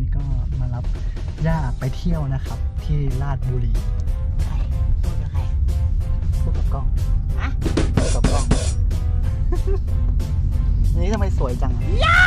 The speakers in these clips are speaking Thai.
นี้ก็มารับย่าไปเที่ยวนะครับ ที่ราชบุรีใครพูดกับใครพูดกับกล้องฮะพูดกับกล้อง อันนี้ทำไมสวยจัง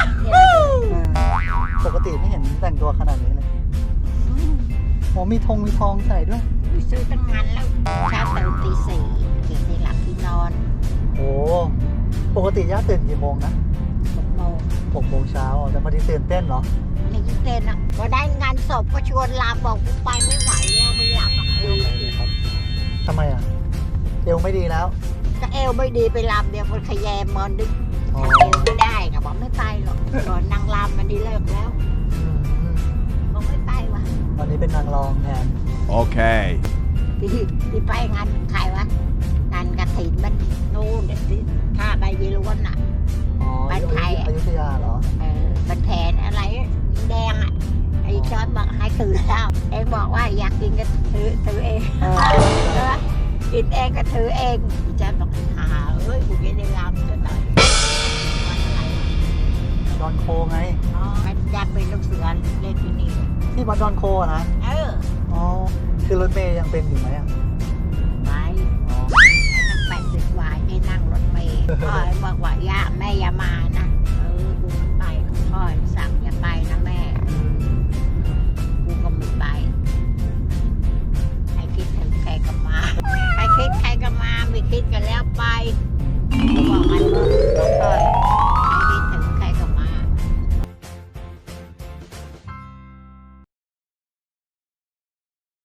ปกติไม่เห็นแต่งตัวขนาดนี้เลยโอ้มีธงมีทองใส่ด้วยซื้อตั้งงานแล้วเช้าตื่นตี 4เก็บที่หลับที่นอนโอ้ปกติย่าตื่นกี่โมงนะ 6 โมง 6 โมงเช้าแต่พอดีตื่นเต้นเหรอนี่ยิ่งเต้นอ่ะพอได้งานศพก็ชวนลาบอกกูไปไม่ไหวแล้วไม่หลับอ่ะเอวไม่ดีครับทำไมอ่ะเอวไม่ดีแล้วก็เอวไม่ดีไปลำเดียวมันขยแยมมันดึงอ๋อเอวไม่ได้ก็บอกไม่ไปหรอกตอนนางลำมันดีเลิกแล้วอืมบอกไม่ไปว่ะวันนี้เป็นนางรองแทน Okay. ที่ไปงานใครวะงานกระถิ่นมันนู่นที่ท่าใบยีรวนอ่ะอ๋อบ้านใครอะอยุธยาเหรอมันแผนอะไรแดงอ่ะไอ้จอร์ดบอกให้ตื่นเช้าเองบอกว่าอยากกินก็ถือเองกินเองก็ถือเองพี่จอร์ดบอกหาเอ้ยกูจะได้รำจะได้วันอะไรดอนโคไงอ๋อมันอยากเป็นลูกเสือเล่นที่นี่ที่วัดดอนโคอะนะเอออ๋อ คือรถเมย์ยังเป็นอยู่ไหมอ่ะ